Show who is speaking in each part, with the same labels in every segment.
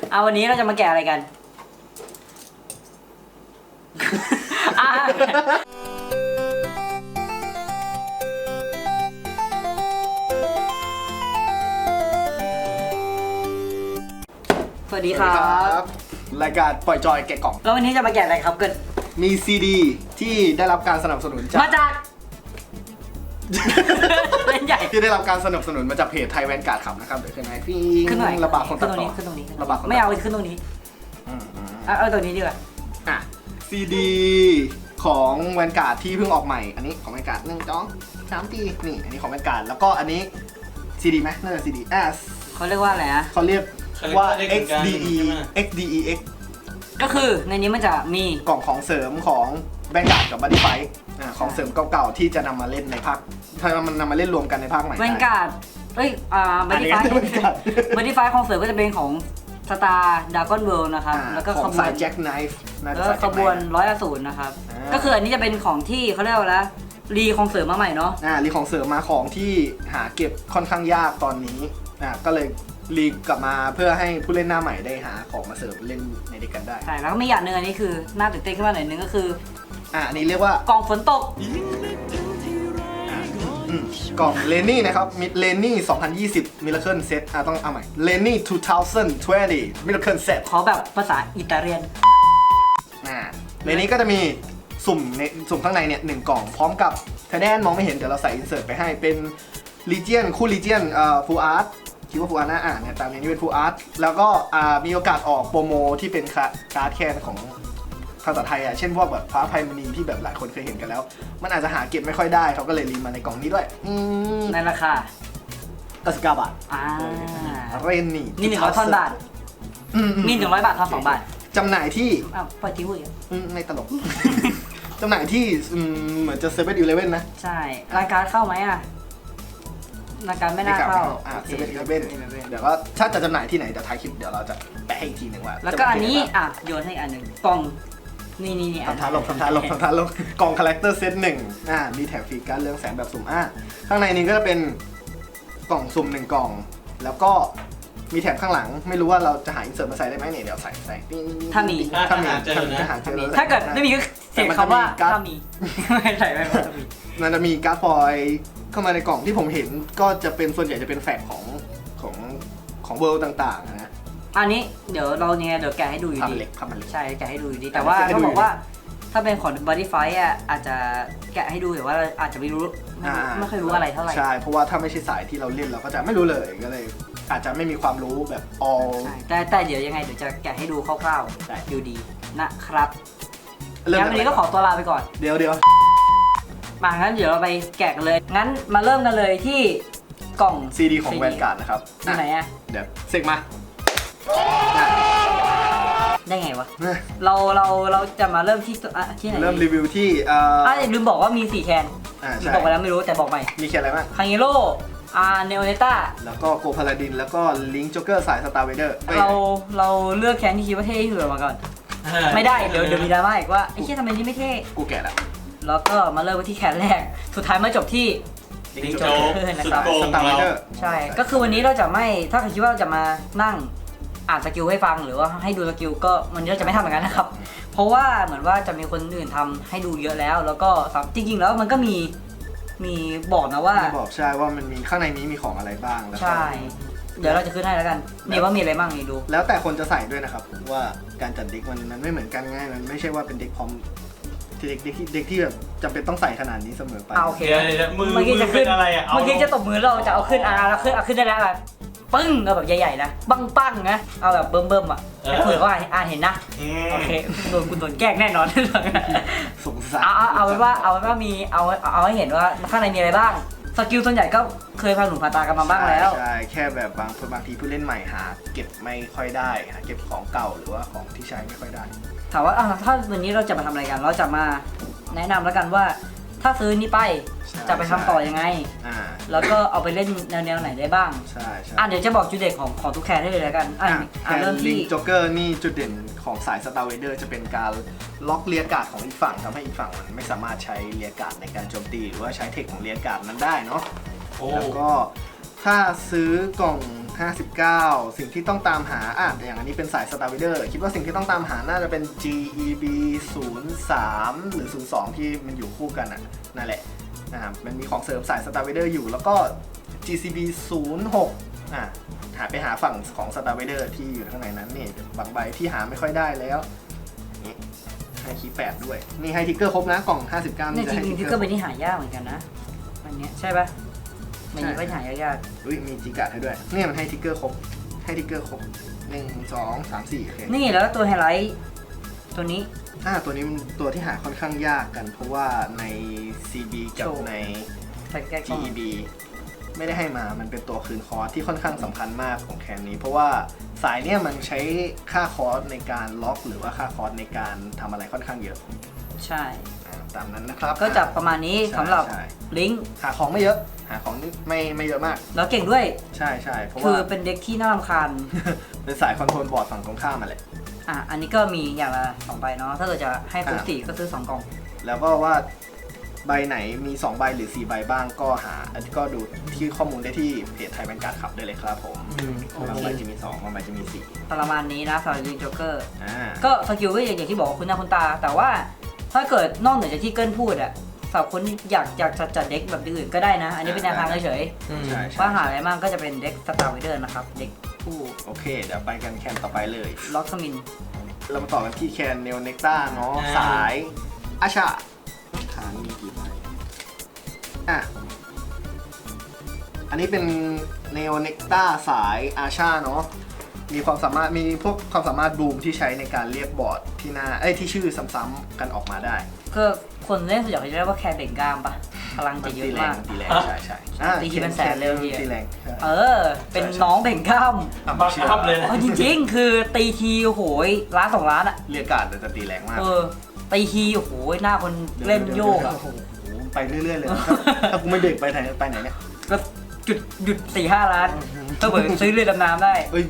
Speaker 1: เอาวันนี้เราจะมาแกะอะไรกัน สวัสดีครับ
Speaker 2: รายการปล่อยจอยแกะกล่อง
Speaker 1: แล้ววันนี้จะมาแกะอะไรครับเกิด
Speaker 2: มีซีดีที่ได้รับการสนับสนุนจาก
Speaker 1: มาจาก เล่นใหญ่
Speaker 2: ที่ได้รับการสนับสนุนมาจากเพจไทยแวนการ์ดขับนะครับเดี๋ยวขึ้นให้พี่
Speaker 1: ขึ้นหน่อย
Speaker 2: ระบาดคนตัดต่อ
Speaker 1: ขึ้นตรงนี้
Speaker 2: ระบาดคนตัดต่
Speaker 1: ไม่เอาขึ้นตรงนี้เอาตรงนี้ดีกว่า
Speaker 2: อ่ะซีดีของแวนการ์ดที่เพิ่งออกใหม่อันนี้ของแวนการ์ด1 2 3 4นี่อันนี้ของแวนการ์ดแล้วก็อันนี้ซีดีไหมน่าจะซีดี
Speaker 1: เขาเรียกว่าอะไรนะ
Speaker 2: เขาเรียกว่า XDE XDEX
Speaker 1: ก็คือในนี้มันจะมี
Speaker 2: กล่องของเสริมของแวนการ์ดกับบัดดี้ไฟท์ของเสริมเก่าๆที่จะนำมาเล่นในภาคถ้ามันนำมาเล่นรวมกันในภาคใหม่
Speaker 1: แวนการ์ดบัดดี้ไฟ บัดดี้ไฟของเสริมก็จะเป็นของสตาร์ดากอนเวิลด์นะครับแล้วก็
Speaker 2: ข
Speaker 1: ข
Speaker 2: อง
Speaker 1: บว
Speaker 2: สาย
Speaker 1: น
Speaker 2: แจ็คไนฟ์
Speaker 1: แล้วก็ขบวน100 นะครับก็คืออันนี้จะเป็นของที่เขาเรียกว่าอะไรรีของเสริมมาใหม่เนาะ
Speaker 2: รีของเสริมมาของที่หาเก็บค่อนข้างยากตอนนี้ก็เลยรีกลับมาเพื่อให้ผู้เล่นหน้าใหม่ได้หาของมาเสริมเล่นในเด็กกันได้
Speaker 1: ใช่แล้วก็มีอย่างหนึ่งอันนี้คือน่าตื่นเต้นขึ้นมาหน่อยนึงก็คือ
Speaker 2: อันนี้เรียกว่าก
Speaker 1: ล่องฝนตก
Speaker 2: กล่องเลนี่นะครับมิดเลนี่2020 Miracle Set ต้องเอาใหม่เลนี่2020 Miracle Set
Speaker 1: ขอแบบภาษาอิตาเลียน
Speaker 2: ในนี้ก็จะมีสุ่มข้างในเนี่ย1 กล่องพร้อมกับแทนมองไม่เห็นเดี๋ยวเราใส่อินเสิร์ตไปให้เป็น Legion คู่ Legion Full Art คิดว่า Full Art นะเนี่ยตามนี้เป็น Full Art แล้วก็มีโอกาสออกโปรโมที่เป็นการ์ดแคนของภาษาไทยเช่นพวกแบบฟ้าไพมณีที่แบบหลายคนเคยเห็นกันแล้วมันอาจจะหาเก็บไม่ค่อยได้เขาก็เลยรีมาในกล่องนี้ด้วย
Speaker 1: ในราคา
Speaker 2: 99 บาทเรนนี่
Speaker 1: 100 บาทมี100 บาททอน2 บาท
Speaker 2: จำหน่ายที่
Speaker 1: ปล่อยทิ้งไว้
Speaker 2: ไม่ตลก จำหน่ายที่เหมือนจะ7-11นะ
Speaker 1: ใช่รายการเข้าไหมรายการไม่น่าเข้า
Speaker 2: 7-11เดี๋ยวก็ถ้าจะจำหน่ายที่ไหนจะท้ายคลิปเดี๋ยวเราจะแปะให้อีกทีหนึ่งว่า
Speaker 1: แล้วก็อันนี้โยนให้อันหนึ่งกล่องนี่
Speaker 2: ทำท่าลงกล่องคาแรคเตอร์เซต1มีแถมฟรีการเรืองแสงแบบสุ่มข้างในนี้ก็จะเป็นกล่องสุ่ม1 กล่องแล้วก็มีแถมข้างหลังไม่รู้ว่าเราจะหาอินเสิร์ตมาใส่ได้ไหมเนี่ยเดี๋ยวใส่
Speaker 1: ถ้ามีถ้าเกิดไม่มีก็เสียงคำว่าถ้ามีไม่ใส่ไม่จะมี
Speaker 2: มันจะมีการ์ดฟอยเข้ามาในกล่องที่ผมเห็นก็จะเป็นส่วนใหญ่จะเป็นแฟกของเวิลด์ต่างๆนะ
Speaker 1: อันนี้เดี๋ยวเราเนี่ยเดี๋ยวแกะให้ดูอยู่ดีใช่แกะให้ดูอยู่ดีแต่ว่าเขาบอกว่าถ้าเป็นของ Body Fight อาจจะแกะให้ดูแต่ว่าอาจจะไม่เคยรู้อะไรเท่าไหร่
Speaker 2: ใช่เพราะว่าถ้าไม่ใช่สายที่เราเล่นเราก็จะไม่รู้เลยก็เลยอาจจะไม่มีความรู้แบบ all
Speaker 1: แต่เดี๋ยวยังไงเดี๋ยวจะแกะให้ดูคร่าวๆดูดีนะครับงั้นวันนี้ก็ขอตัวลาไปก่อน
Speaker 2: เดี๋ยว
Speaker 1: มางั้นเดี๋ยวเราไปแกะกันเลยงั้นมาเริ่มกันเลยที่กล่อง
Speaker 2: ซีดีของแวนการ์ดนะครับ
Speaker 1: ที่ไหน
Speaker 2: เดี๋ยวเสกมา
Speaker 1: ได้ไงวะเราจะมาเริ่มที่ไหน
Speaker 2: เริ่มรีวิวที่
Speaker 1: ลืมบอกว่ามี4 แคนบอกไปแล้วไม่รู้แต่บอกใหม่
Speaker 2: มีแคนอะไรบ้าง
Speaker 1: คังเยโร่เนโอเนต้า
Speaker 2: แล้วก็โกพาลาดินแล้วก็ลิงจ็อกเกอร์สายสตาร์เวเดอร์
Speaker 1: เราเลือกแคนที่คิดว่าเท่ที่สุดมาก่อนไม่ได้เดี๋ยวมีดราม่าอีกว่าไอ้เชี่ยทำไมนี่ไม่เท่
Speaker 2: กูแก่
Speaker 1: แล้วก็มาเริ่มที่แคนแรกสุดท้ายมาจบที่
Speaker 3: ลิงจ็อกเกอร์นะครับ
Speaker 2: สตาร์เวเดอร์
Speaker 1: ใช่ก็คือวันนี้เราจะไม่ถ้าใครคิดว่าเราจะมานั่งอ่านสกิลให้ฟังหรือว่าให้ดูสกิลก็วันนี้เราจะไม่ทำอย่างนั้นนะครับเพราะว่าเหมือนว่าจะมีคนอื่นทำให้ดูเยอะแล้วก็จริงๆแล้วมันก็มีบอกนะว่า
Speaker 2: บอกใช่ว่ามันมีข้างในนี้มีของอะไรบ้าง
Speaker 1: ใช่เดี๋ยวเราจะขึ้นให้แล้วกันนี่ว่ามีอะไรบ้างนี่ดู
Speaker 2: แล้วแต่คนจะใส่ด้วยนะครับว่าการจัดเด็กมันไม่เหมือนกันง่ายมันไม่ใช่ว่าเป็นเด็กพร้อมเด็กที่แบบจำเป็นต้องใส่ขนาดนี้เสมอไป
Speaker 1: โอเคเมื่อกี้จะขึ้นอะไรเมื่อกี้จะตบมือเราจะเอาขึ้นแล้วขึ้นได้แล้วแบบปึ้งเอาแบบใหญ่ๆนะปังนะเอาแบบเบิ่มๆเผื่อว่าเห็นนะโอเคโดนแกล้งแน่นอน
Speaker 2: สงสาร
Speaker 1: เอาไว้ว่ามีเอาให้เห็นว่าข้างในมีอะไรบ้างสกิลส่วนใหญ่ก็เคยพาหนูพาตากันมาบ้างแล้ว
Speaker 2: ใช่แค่แบบบางทีผู้เล่นใหม่หาเก็บไม่ค่อยได้หาเก็บของเก่าหรือว่าของที่ใช้ไม่ค่อยได้
Speaker 1: ถามว่าถ้าวันนี้เราจะมาทำอะไรกันเราจะมาแนะนำแล้วกันว่าถ้าซื้อนี้ไปจะไปทำต่อยังไงแล้วก็เอาไปเล่นแนวไหนได้บ้าง
Speaker 2: ใช่
Speaker 1: เดี๋ยวจะบอกจุดเด่นของทุกแคนได้เลยแล้วกัน
Speaker 2: เริ่มที่ลิงจ็อกเกอร์นี่จุดเด่นของสายสตาร์เวเดอร์จะเป็นการล็อกเลียการ์ดของอีกฝั่งทำให้อีกฝั่งมันไม่สามารถใช้เลียการ์ดในการโจมตีหรือว่าใช้เทคของเลียการ์ดนั้นได้เนาะแล้วก็ถ้าซื้อกล่อง 59 สิ่งที่ต้องตามหาอย่างอันนี้เป็นสาย Star Vader คิดว่าสิ่งที่ต้องตามหาน่าจะเป็น GEB 03 หรือ 02 ที่มันอยู่คู่กันนั่นแหละนะครับมันมีของเสริมสาย Star Vader อยู่แล้วก็ GCB 06หาไปหาฝั่งของ Star Vader ที่อยู่ข้างในนั้นนี่บางใบที่หาไม่ค่อยได้แล้วนี่ให้คีย์8ด้วยนี่ให้ทิกเกอร์ครบนะกล่อง 59
Speaker 1: ใน
Speaker 2: นี่จะ
Speaker 1: จ
Speaker 2: ให้
Speaker 1: ริ
Speaker 2: ทิ
Speaker 1: ง
Speaker 2: ก
Speaker 1: ๆที่
Speaker 2: เก
Speaker 1: ก็
Speaker 2: อร์
Speaker 1: เป็นที่หายากเหมือนกันนะอันเนี้ยใช่ปะมันยังไม่หายาก
Speaker 2: อุ้ยมีจิกาดให้ด้วยเนี่ยมันให้ทิกเกอร์ครบให้ทิกเกอร์ครบ1 2 3 4โอเค
Speaker 1: ๆนี่แล้วตัวไฮไลท์ตัวนี้
Speaker 2: ตัวนี้มันตัวที่หาค่อนข้างยากกัน เพราะว่าใน CB กับ
Speaker 1: โชว์
Speaker 2: ใน
Speaker 1: ใส่แก้กล้อง
Speaker 2: GEB ไม่ได้ให้มามันเป็นตัวคืนคอร์สที่ค่อนข้างสำคัญมากของแคนนี้ เพราะว่าสายเนี่ยมันใช้ค่าคอร์สในการล็อก หรือว่าค่าคอร์สในการทำอะไรค่อนข้างเยอะ
Speaker 1: ใช่
Speaker 2: ตามนั้นนะครับ
Speaker 1: ก็จะประมาณนี้
Speaker 2: ใช่
Speaker 1: สำหรับ
Speaker 2: ใช่
Speaker 1: ลิงก์
Speaker 2: หาของไม่เยอะ หาของนี่ไม่เยอะมาก
Speaker 1: แล้วเก่งด้วย
Speaker 2: ใช่เพราะ
Speaker 1: คือ
Speaker 2: ว่า
Speaker 1: เป็นเด็กที่น่ารำคาญ
Speaker 2: เป็นสายคอนโทรลบอร์ดฝั่งตรงข้ามมาแหละ
Speaker 1: อันนี้ก็มีอย่างละ2ใบเนาะถ้าเกิดจะให้ครบ
Speaker 2: อ่า
Speaker 1: 4ก็ซื้อ2กล่อง
Speaker 2: แล้วก็ว่าใบไหนมี2ใบหรือ4ใบบ้างก็ก็ดูที่ข้อมูลได้ที่เพจไทยแบงการ์ดขับได้เลยครับผม
Speaker 1: โอเค
Speaker 2: บางใบจะมี2บางใบจะมี4
Speaker 1: ประมาณนี้นะสำหรับลิงโจ๊กเกอร์
Speaker 2: ก็
Speaker 1: ก็สกิลก็อย่างที่บอกว่าคุณหน้าคุณตา แต่ว่าถ้าเกิดนอกเหนือจากที่เกิลพูดอะสำหรับคนที่อยากจัดเด็กแบบอื่นก็ได้นะ อันนี้เป็นแนวทางเฉย
Speaker 2: ใช่
Speaker 1: ๆว่าหาอะไรบ้างก็จะเป็นเด็กสตาร์ไวเดอร์นะครับ เด็กผู้
Speaker 2: โอเค เดี๋ยวไปกันแคนต่อไปเลย
Speaker 1: ล็อกสมิน
Speaker 2: เรามาต่อกันที่แคนเนลเนกต้าเนาะสายอาชาฐานมีกี่ใบอันนี้เป็นเนลเนกต้าสายอาชาเนาะมีความสามารถมีพวกความสามารถบูมที่ใช้ในการเรียกบอร์ดที่หน้าที่ชื่อซ้ำๆกันออกมาได้
Speaker 1: ก็คนเล่นส่วนใหญ่เขาจะเรียกว่าแคร์เบ่งกล้ามปะพลังจะเยอะมาก
Speaker 2: ตีแรงใช่
Speaker 1: ตีทีเป็นแสนเลยที
Speaker 2: ตีแรงใช่
Speaker 1: เป็นน้องเบ่งกล้าม
Speaker 3: บังคับเลยนะ
Speaker 1: จริงๆ คือตีทีโอ้โหล้าน2ล้านอะ
Speaker 2: เรียกการ์ดจะตีแรงมาก
Speaker 1: ตีทีโอ้โหหน้าคนเล่นโยกอะ
Speaker 2: โอ้โหไปเรื่อยๆเลยนะถ้ากูไม่เบรกไปไหนเนี่ย
Speaker 1: ก็หยุด4-5 ล้านก็เหมือนซื้อเรือดำน้ำได้
Speaker 2: เอ้ย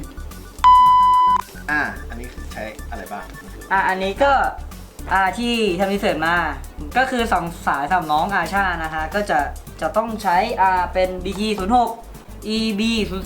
Speaker 2: อันนี้ใช้อะไรบ้าง
Speaker 1: อันนี้ก็ที่ทำรีเสิร์ชมาก็คือ2สายสำหรับน้องอาชานะฮะก็จะต้องใช้เป็น BT 06 EB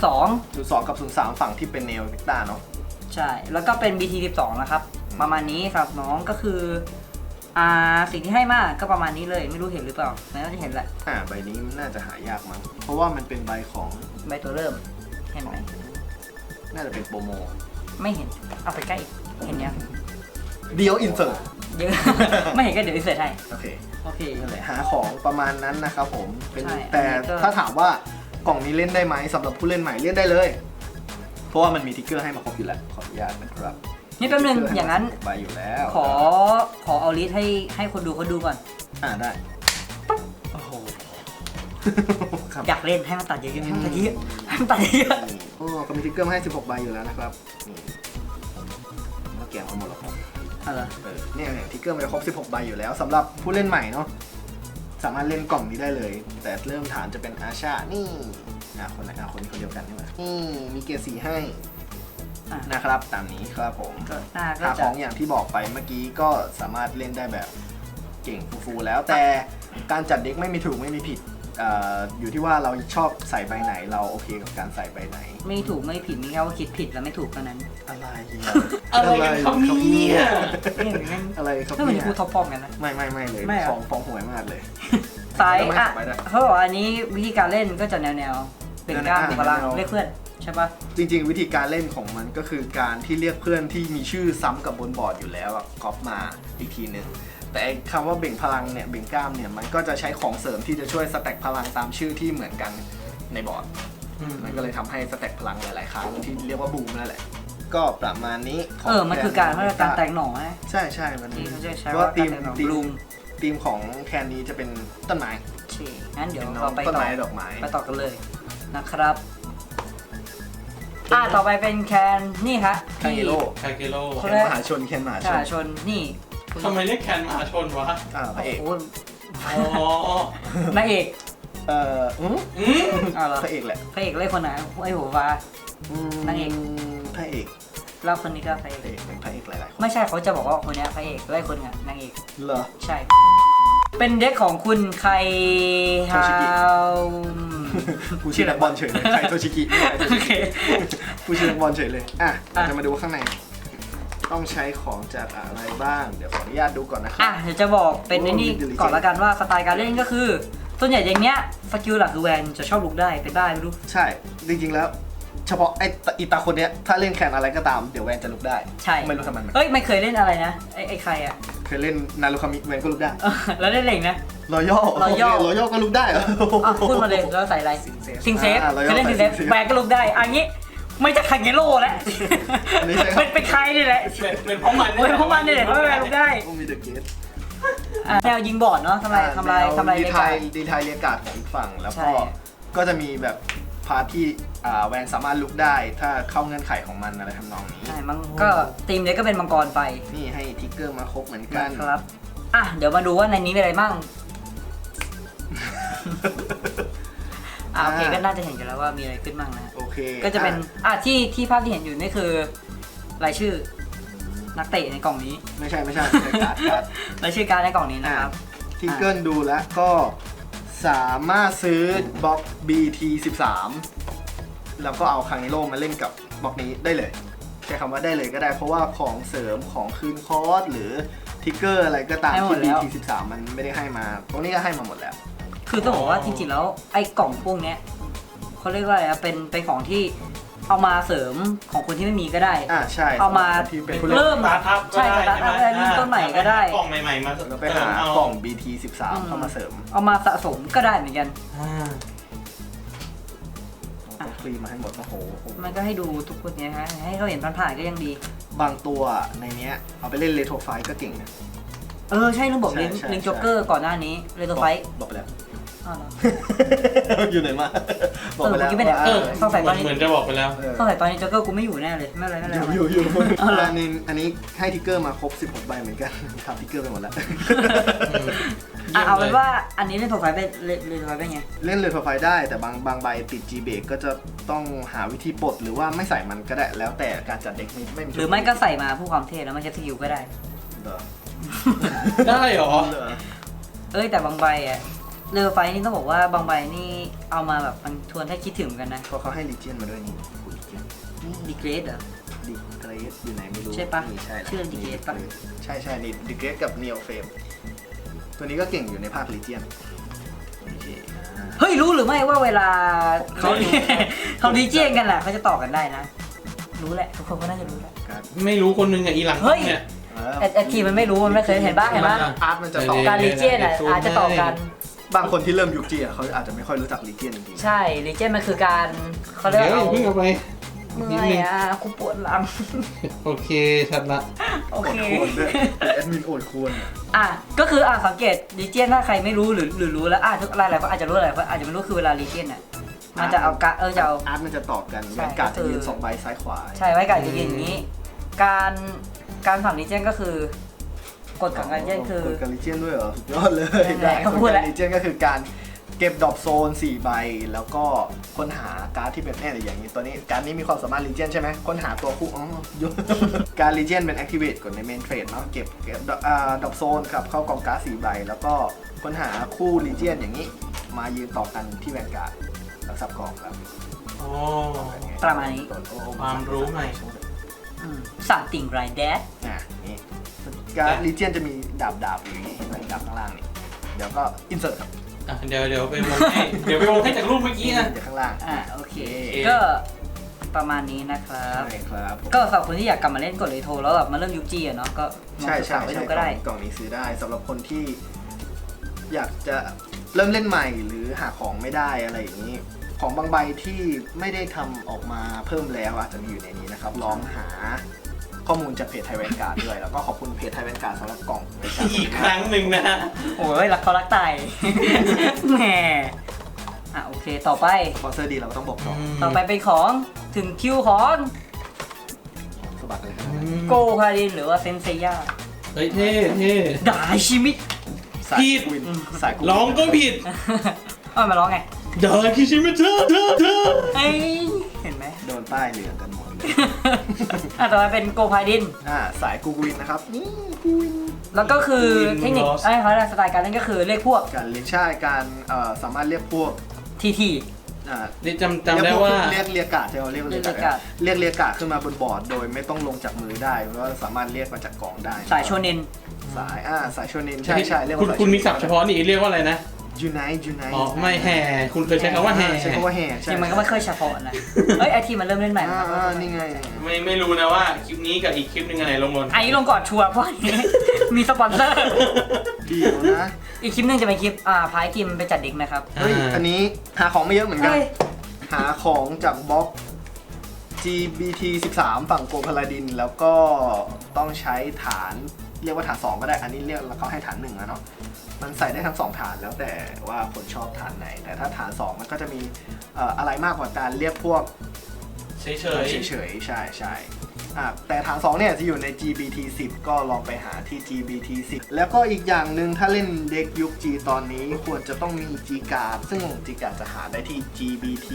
Speaker 1: 02
Speaker 2: 02 กับ 03 ฝั่งที่เป็นเนลเนกต้าเนาะ
Speaker 1: ใช่แล้วก็เป็น BT 12นะครับประมาณนี้สำหรับน้องก็คือสิ่งที่ให้มาก็ประมาณนี้เลยไม่รู้เห็นหรือเปล่าน่าจะเห็นแหละ
Speaker 2: ใบนี้น่าจะหายากมั้งเพราะว่ามันเป็นใบของ
Speaker 1: ใบตัวเริ่มเห็นไหม
Speaker 2: น่าจะเป็นโปรโม
Speaker 1: ไม่เห็นเอาไปใกล้อีกเห็นยัง
Speaker 2: เดียวอินเสิร์ต
Speaker 1: เยอะ ไม่เห็นก็เดี๋ยวเสิร์ชให้
Speaker 2: โอเค
Speaker 1: โอเค
Speaker 2: นั่นแหละหาของประมาณนั้นนะครับผมเป็น
Speaker 1: ใช่
Speaker 2: แต่
Speaker 1: อันนี้ก็
Speaker 2: ถ้าถามว่ากล่องนี้เล่นได้ไหมสำหรับผู้เล่นใหม่เล่นได้เลย เพราะว่ามันมีทิกเกอร์ให้มาครบอยู่แล้วขออนุญาตนะครับ
Speaker 1: นี่แป๊บนึงอย่างนั้น
Speaker 2: ใบอยู่แล้ว
Speaker 1: ขอเอาลิสต์ให้คนดูเขาดูก่อน
Speaker 2: ได้โอ้โหครับ
Speaker 1: อยากเล่นให้มันตัดเยอะๆให้มันตัดเยอะให้มันตัดเยอะ
Speaker 2: ก็มีทิกเกอร์มาให้16ใบอยู่แล้วนะครับนี่แล้วแกะมาหมดแล้วครับ
Speaker 1: อะไร
Speaker 2: เนี่ยทิกเกอร์มันจะครบ16ใบอยู่แล้วสำหรับผู้เล่นใหม่เนาะสามารถเล่นกล่องนี้ได้เลย แต่เริ่มฐานจะเป็นอาชานี่คนไหนคนนี้คนเดียวกันนี่หว่านี่มีเกียร์สีให้นะครับตามนี้ครับผม
Speaker 1: ก็หน้าก็
Speaker 2: หาข
Speaker 1: จะ
Speaker 2: องอย่างที่บอกไปเมื่อกี้ก็สามารถเล่นได้แบบเก่งฟูๆแล้วแต่การจัดเด็กไม่มีถูกไม่มีผิดอยู่ที่ว่าเราชอบใส่ใบไหนเราโอเคกับการใส่ใบไหน
Speaker 1: ไม่ถูกไม่ผิดมีแค่ว่าคิดผิดแล้วไม่ถูกเท่านั้น
Speaker 2: อะไร
Speaker 3: อะไรกันครับเนี่ย
Speaker 1: นี่เหมือนกัน
Speaker 2: อะไรครับ
Speaker 1: ถ้าเหมือน
Speaker 2: เนี่ย
Speaker 1: ครูท็อปปอมกันนะ
Speaker 2: ไม่เลย
Speaker 1: ไม่เหรอ
Speaker 2: ฟ้องหวยมากเลย
Speaker 1: สาย
Speaker 2: ไม่ต่อไปได้
Speaker 1: เขาบอกว่าอันนี้วิธีการเล่นก็จะแนวเป็นกล้ามเป็นพลัง
Speaker 2: แนว
Speaker 1: เรียกเพื่อนใช่ปะ
Speaker 2: จริงๆวิธีการเล่นของมันก็คือการที่เรียกเพื่อนที่มีชื่อซ้ำกับบนบอร์ดอยู่แล้วก๊อปมาอีกทีหนึ่งแต่ไอ้คำว่าเบ่งพลังเนี่ยเบ่งกล้ามเนี่ยมันก็จะใช้ของเสริมที่จะช่วยสแต็กพลังตามชื่อที่เหมือนกันในบอร์ดมันก็เลยทำให้สแต็กพลังหลายๆครั้งที่เรียกว่าบูมนั่นแหละก็ประมาณนี้ของ
Speaker 1: มันคือการแต่งหน่อนะ
Speaker 2: ใช่มัน
Speaker 1: ที่เขาจะใช้
Speaker 2: เพราะ
Speaker 1: ว่า
Speaker 2: ว่า
Speaker 1: การแต่งหน่อบลูม
Speaker 2: ทีมของแคนนี้จะเป็นต้นไม้
Speaker 1: โอเคงั้นเดี๋ยว
Speaker 2: เป็นน้อ
Speaker 1: เรา
Speaker 2: ง
Speaker 1: ไป
Speaker 2: ต้น
Speaker 1: ต่อ
Speaker 2: ไม้ดอกไม้
Speaker 1: ไปต่อกันเลยนะครับต่อไปเป็นแคนนี่ฮะ
Speaker 2: คาเกโร่
Speaker 3: คาเกโร่
Speaker 2: แคนมหาชนแคนมหาช
Speaker 1: ชาน ชนนี่
Speaker 3: ทำไมเรียกแคนมหาชนวะ
Speaker 2: พระเอก
Speaker 1: โอ้โห
Speaker 3: อ๋อ
Speaker 1: นางเอก
Speaker 3: อืม
Speaker 1: เอาเหรอ
Speaker 2: พระเอกแหละ
Speaker 1: พระเอกเล่นคนไหนไอ้หัวฟ้า นางเอก
Speaker 2: พระเอก
Speaker 1: แล้วคนนี้ก็พระเอก
Speaker 2: เป็นพระเอกหลายๆคน
Speaker 1: ไม่ใช่เขาจะบอกว่าคนเนี้ยพระเอกไล่คนเนี้ยนางเอก
Speaker 2: เหรอ
Speaker 1: ใช่เป็นเด็กของคุณใครฮาว
Speaker 2: ผู้ชื่อนักบอลเฉยเลยใครโทชิกิไม่ใช่โท
Speaker 1: โอ
Speaker 2: ชิ
Speaker 1: เค
Speaker 2: กิผู้ชื่อนักบอลเฉยเลยอ่ะเราจะมาดูว่าข้างใน ต้องใช้ของจากอะไรบ้าง เดี๋ยวขออนุญาตดูก่อนนะครั
Speaker 1: อ่ะเดี๋ยวจะบอกเป็นไอ้นี่ก่อนละกันว่าสไตล์การเล่นก็คือ ส่วนใหญ่อย่างเนี้ยสกิลหลักคือแวนจะชอบลุกได้เป็นได้ไม่รู้
Speaker 2: ใช่ จริงๆแล้ว เฉพาะไอ้อีตาคนเนี้ยถ้าเล่นแคนอะไรก็ตามเดี๋ยวแวนจะลุกได้
Speaker 1: ใช่
Speaker 2: ไม่รู้ทำไมมัน
Speaker 1: เอ้ยไม่เคยเล่นอะไรนะไอ้ใครอ่ะ
Speaker 2: เคยเล่นนารุคามิแวนก็ลุกได้
Speaker 1: แล้วเล่นเหล็กนะ
Speaker 2: รอยัล
Speaker 1: Royal
Speaker 2: รอยัลก็ลุกได้เหรอ
Speaker 1: อ่ะพูดมาเลยแล้วใส่อะไรซิงเซฟ
Speaker 2: Royal
Speaker 1: เคยเล่นซิงเซฟ
Speaker 2: Sing Safe
Speaker 1: แบกก็ลุกได้อันนี้ไม่จะคังเกโร่แล้ว
Speaker 2: อันนี้ใช่ครับ
Speaker 1: เป็นใครนี่แหละ
Speaker 3: เป็นเพราะมัน
Speaker 1: เป็นเพราะมันนี่แหละเพราะแบกลุกได้
Speaker 2: ต้องมีเดอะเกต
Speaker 1: อ่ะแนวยิงบอร์ดเนาะทำลาย
Speaker 2: ดี
Speaker 1: เลย
Speaker 2: ไท
Speaker 1: กัน
Speaker 2: ยดีไทยเรียกการ์ดของอีกฝั่งแล้ว
Speaker 1: ใช่
Speaker 2: ก็จะมีแบบพาร์ทที่แวนสามารถลุกได้ถ้าเข้าเงื่อนไขของมันอะไรทำนองนี้
Speaker 1: ใช่มันก็ทีมเนี้ยก็เป็นมังกรไฟ
Speaker 2: นี่ให้ทิกเกอร์มาครบเหมือนกัน
Speaker 1: นะครับอ่ะเดี๋ยวมาดูว่าในนี้มีอะไรบ้างโอเคก็น่าจะเห็นกันแล้วว่ามีอะไรขึ้นบ้างนะ
Speaker 2: โอเค
Speaker 1: ก็จะเป็นที่ภาพที่เห็นอยู่นี่คือรายชื่อนักเตะในกล่องนี้
Speaker 2: ไม่ใช่การ์ด
Speaker 1: รายชื่อการดในกล่องนี้นะครับ
Speaker 2: ทิกเกิลดูแล้วก็สามารถซื้อบล็อก BT13 แล้วก็เอาคังนิโร่มาเล่นกับบล็อกนี้ได้เลยใช้คำว่าได้เลยก็ได้เพราะว่าของเสริมของคืนคอร์สหรือทิกเกอร์อะไรก็ตาม
Speaker 1: ให้หม
Speaker 2: ที่
Speaker 1: ดแล้ว
Speaker 2: BT13 มันไม่ได้ให้มาตรงนี้ก็ให้มาหมดแล้ว
Speaker 1: คือต้องบอกว่าจริงๆแล้วไอ้กล่องพวกเนี้ยเขาเรียกว่าอะไรนะเป็นของที่เอามาเสริมของคนที่ไม่มีก็ได้
Speaker 2: ใช่
Speaker 1: เอามา
Speaker 2: ที่เป็นผู้เล่น
Speaker 1: เริ่ม
Speaker 3: สตาร์ทอัพก็
Speaker 1: ใช่
Speaker 3: ได้
Speaker 1: สตาร์ทอัพได้เริ่มต้นใหม่ก็ได้
Speaker 3: กล่องใหม่ๆมา
Speaker 2: แล้วไปหากล่อง BT13 เข้ามาเสริม
Speaker 1: เอามาสะสมก็ได้เหมือนกัน
Speaker 2: ต้องคลีนมาให้หมดโอ้โห
Speaker 1: มันก็ให้ดูทุกคนเนี่ยฮะให้เขาเห็นผ่านๆก็ยังดี
Speaker 2: บางตัวในเนี้ยเอาไปเล่นเรโทรไฟก็เก่งนะ
Speaker 1: ใช่ลุงบอก
Speaker 2: ใช่
Speaker 1: ลิง
Speaker 2: ใช่
Speaker 1: ลิงจ็อกเกอร์ก่อนหน้านี้เรโทรไฟท์
Speaker 2: บอกไปแล้ว
Speaker 1: อ้าวเหรอ
Speaker 2: อยู่ไหนมาบอกไปแล้ว
Speaker 1: เมื่อกี้ไม่ได้ ต้องใส่ตอนนี้
Speaker 3: เหมือนจะบอกไปแล้ว
Speaker 1: ต้องใส่ตอนนี้จ็อกเกอร์กูไม่อยู่แน่เลยไม่เป็นไรไม่เป็นไร
Speaker 2: อยู่
Speaker 1: เอาเหรอ
Speaker 2: อันนี้ให้ทิกเกอร์มาครบ16ใบเหมือนกันทำทิกเกอร์ไปหมดแล้ว
Speaker 1: เอาเป็นว่าอันนี้เล่นโทรไฟท์เป็นเล่นโทรไฟท์เป็นไง
Speaker 2: เล่นเรโทรไฟได้แต่บางใบติด G เบรกก็จะต้องหาวิธีปลดหรือว่าไม่ใส่มันก็ได้แล้วแต่การจัดเด็กไม่มี
Speaker 1: หรือไม่ก็ใส่มาผู้ความเท่แล้วไม่ใช้สกิลก็ได้
Speaker 2: เหรอ
Speaker 3: ได้เหรอ
Speaker 2: เหรอ
Speaker 1: แต่บางใบอะเรือไฟนี่ต้องบอกว่าบางใบนี่เอามาแบบมันชวนให้คิดถึงกันนะ
Speaker 2: เพราะเขาให้ลีเจียนมาด้วยนี่ลีเจียน
Speaker 1: นี่ดีเกรดเหรอ
Speaker 2: ดีเกรสอยู่ไหนไม่รู้
Speaker 1: ใช่ปะ
Speaker 2: นี่ใช่
Speaker 1: ชื่อ Degrade ปะ
Speaker 2: ใช่นี่ดีเกรสกับเนียลเฟมตัวนี้ก็เก่งอยู่ในภาคลีเจียนโอเค
Speaker 1: เฮ้ยรู้หรือไม่ว่าเวลาเขา เขาดีเจนกันแหละเขาจะต่อกันได้นะ รู้แหละทุกคนก็น่าจะรู้แหละ
Speaker 2: การ
Speaker 3: ไม่รู้คนหนึงอะอีหลัง
Speaker 1: เฮ้ย
Speaker 3: เนี่ย
Speaker 1: ไอทีมันไม่รู้มันไม่เคยเห็นบ้างเห็นปะ
Speaker 2: อาร์ตมันจะต่อ
Speaker 1: การลีเจนอาจจะต่อกัน
Speaker 2: บางคนที่เริ่มยุคจีเขาอาจจะไม่ค่อยรู้จักลีเจียนจริง
Speaker 1: ใช่ลีเจนมันคือการเขาเรียก
Speaker 3: เดี๋ยว
Speaker 1: ว่า
Speaker 3: อย่าเพิ่งเอาไป
Speaker 1: เมื่
Speaker 3: นิด
Speaker 1: อย
Speaker 3: นึง
Speaker 1: อ่ะกูปวดหลัง
Speaker 3: โอเคชัดละ
Speaker 1: โอ
Speaker 2: ๆ
Speaker 1: เค
Speaker 2: โอดควรด้วยเป็นแอดมินโอดควร
Speaker 1: ก็คือสังเกตลีเจนถ้าใครไม่รู้หรือรู้แล้วทุกหลายๆคนอาจจะรู้หลายคนอาจจะไม่รู้คือเวลาลีเจนอ่ะมันจะเอากะจะเอา
Speaker 2: อาร์ตมันจะต่อกัน
Speaker 1: ใช่
Speaker 2: แวนการ์ด
Speaker 1: ก็คือ
Speaker 2: จะยืน2ใบซ้ายขวา
Speaker 1: ใช่ไว้กับจะยืนอย่างนี้ การฝั่งลีเจนก็คือกฎของการลีเจนคือ
Speaker 2: กดการลีเจียนด้วยเหรอสุดยอดเลย
Speaker 1: นั่นแหละ
Speaker 2: กฎ
Speaker 1: พูด
Speaker 2: กา
Speaker 1: แล้
Speaker 2: ร
Speaker 1: ว
Speaker 2: ลีเจียนก็คือการเก็บดรอปโซน4ใบแล้วก็ค้นหาการ์ดที่เป็นอย่างนี้ตัวนี้การ์ดนี้มีความสามารถลีเจียนใช่ไหมค้นหาตัวคู่การลีเจียนเป็นแอคทีเวตกดในเมนเทรดเนาะเก็บดรอปโซนครับเข้ากองการ์ด4ใบแล้วก็ค้นหาคู่ลีเจียนอย่างนี้มายืนต่อกันที่แวนการ์ดแล้วสับกองครับ
Speaker 3: อ๋อ
Speaker 1: ประมาณนี้
Speaker 3: ความรู้ใหม่
Speaker 1: สั่งติ่งไรแดด
Speaker 2: นี่การลีเจียนจะมีดาบอยู่นี่เห็นไหมดาบข้างล่างนี่เดี๋ยวก็อินเสิร์ตครับ
Speaker 3: เดี๋ยวไปวงให้เดี๋ยวไปวงให้จากรูปเมื่อกี้นะ
Speaker 2: เดี๋ยวข้างล่าง
Speaker 1: โอเค
Speaker 3: โอเค
Speaker 1: ก็ประมาณนี้นะครับ
Speaker 2: ใช่ครับผม
Speaker 1: ก็สำหรับคนที่อยากกลับมาเล่นกดเลยโทรแล้วแบบมาเริ่มยุคจีอะเนาะก็ลอง
Speaker 2: ใช่
Speaker 1: ศึก
Speaker 2: ใช่
Speaker 1: ษาไว้
Speaker 2: ใช่
Speaker 1: ดูก็ได้
Speaker 2: กล่องนี้ซื้อได้สำหรับคนที่ อยากจะเริ่มเล่นใหม่หรือหาของไม่ได้อะไรอย่างนี้ ของบางใบที่ไม่ได้ทำออกมาเพิ่มแล้วอาจจะมีอยู่ในนี้นะครับลองหาข้อมูลจากเพจไทยแวนการ์ดด้วยแล้วก็ขอบคุณเพจไทยแวนการ์ดสำหรับกล่องบริการ
Speaker 3: อีกครั้งหนึ่งนะฮะ
Speaker 1: โอ้ยรักเขารักตาย แหมโอเคต่อไป
Speaker 2: สปอนเซอร์ดีเราก็ต้องบอกต่อ
Speaker 1: ไปเป็นของถึงคิวของ
Speaker 2: สบัดเลยครับ
Speaker 1: โกคารินหรือว่าเซนเซย่า
Speaker 3: เฮ้ยเท่
Speaker 1: ดาชิมิ
Speaker 2: สายกูวินสายกูวิน
Speaker 3: ร้องก็ผิด
Speaker 1: มาร้องไง
Speaker 3: ดาคิชิมิเธอ
Speaker 1: เอ้ยเห็นไหม
Speaker 2: โดนป้ายเหลืองกันหมดเลย
Speaker 1: ต่อไปเป็นโกคาริน
Speaker 2: สายกูวินนะครับนี่กูวิน
Speaker 1: แล้วก็คือเทคนิคไอ้เขาสไตล์การเล่นก็คือเลขพวก
Speaker 2: การเรียกใช่การสามารถเรียกพวก
Speaker 1: TT
Speaker 3: นี่จำได้ว่า
Speaker 2: เรียกกาดใช่ไหมเรียกเรียกกาดขึ้นมาบนบอร์ดโดยไม่ต้องลงจากมือได้เพราะว่าสามารถเรียกมาจากกล่องได้
Speaker 1: สายโชเนน
Speaker 2: สายโชเนนใช่เรียกว่า
Speaker 3: คุณมีศัพท์เฉพาะนี่เรียกว่าอะไรนะ
Speaker 2: ยูไนต์
Speaker 3: อ๋อไม่แห่คุณเคยใช้คำว่าแห่
Speaker 2: ใช้คำว่าแห่
Speaker 1: จริงมันก็ไม่เคยเฉพาะนะเอ้ยไอทีมันเริ่มเล่นใหม่
Speaker 2: นี่ไง
Speaker 3: ไม่รู้นะว่าคลิปนี้กับอีกคลิปนึงอะไรลงบน
Speaker 1: อันนี้ลงก่อนชัวร์เพราะอันนี้มีสปอนเซอร์
Speaker 2: เดียวนะ
Speaker 1: อีกคลิปหนึงจะเป็นคลิปพายทีมไปจัดเด็กนะครับ
Speaker 2: เฮ้ยอันนี้หาของไม่เยอะเหมือนกัน หาของจากบล็อก GBT 13 ฝั่งโกพาลาดินแล้วก็ต้องใช้ฐานเรียกว่าฐาน 2 ก็ได้อันนี้เรียกแล้วเขาให้ฐาน1แล้วเนาะมันใส่ได้ทั้ง2ฐานแล้วแต่ว่าคนชอบฐานไหนแต่ถ้าฐาน 2 มันก็จะมีอะไรมากกว่าการเรียกพวก
Speaker 3: เฉย
Speaker 2: ใช่แต่ฐาน 2 เนี่ยจะอยู่ใน GBT 10 ก็ลองไปหาที่ GBT 10 แล้วก็อีกอย่างหนึ่งถ้าเล่นเด็กยุค G ตอนนี้ควรจะต้องมี G Card ซึ่ง G Card จะหาได้ที่ GBT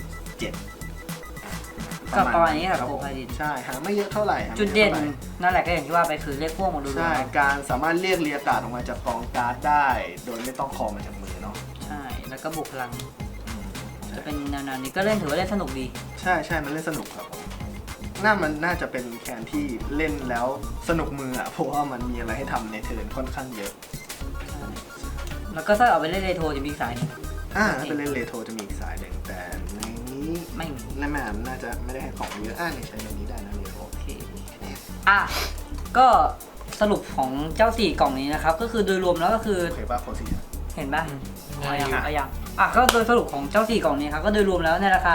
Speaker 2: 7
Speaker 1: ก็ประมาณนี้ครับโกพาดิน
Speaker 2: ใช่หาไม่เยอะเท่าไหร่
Speaker 1: จุดเด่นนั่นแหละก็อย่างที่ว่าไปคือเลขพวกมาดู
Speaker 2: ใช่การสามารถเรียกเรียกการ์ดออกมาจากกองการ์ดได้ โดยไม่ต้องคอมาจากมือเนาะ
Speaker 1: ใช่แล้วก็บุกพลังจะเป็นแนวๆนี้ก็เล่นถือว่าเล่นสนุกดี
Speaker 2: ใช่มันเล่นสนุกครับผมมันน่าจะเป็นแคนที่เล่นแล้วสนุกมืออ่ะเพราะว่ามันมีอะไรให้ทำในเทิร์นค่อนข้างเยอะ
Speaker 1: แล้วก็ถ้าเอาไปเล่นเรโทรจะมีอีกสายหนึง
Speaker 2: ถ้าเป็นเล่นเรโทรจะมีอีกสายหนึ่งแต่ในนี้
Speaker 1: ไม่มี
Speaker 2: ในแมนน่าจะไม่ได้ให้ของเยอะนี่ใช้ในนี้ได้นะเรโทร
Speaker 1: โอเคก็สรุปของเจ้า4กล่องนี้นะครับก็คือโดยรวมแล้วก็คือ
Speaker 2: โอเคป่ะโคซี่
Speaker 1: เห็นป่ะ
Speaker 3: ๆ
Speaker 1: เอายังก็โดยสรุปของเจ้า4กล่องนี้ครับก็โดยรวมแล้วในราคา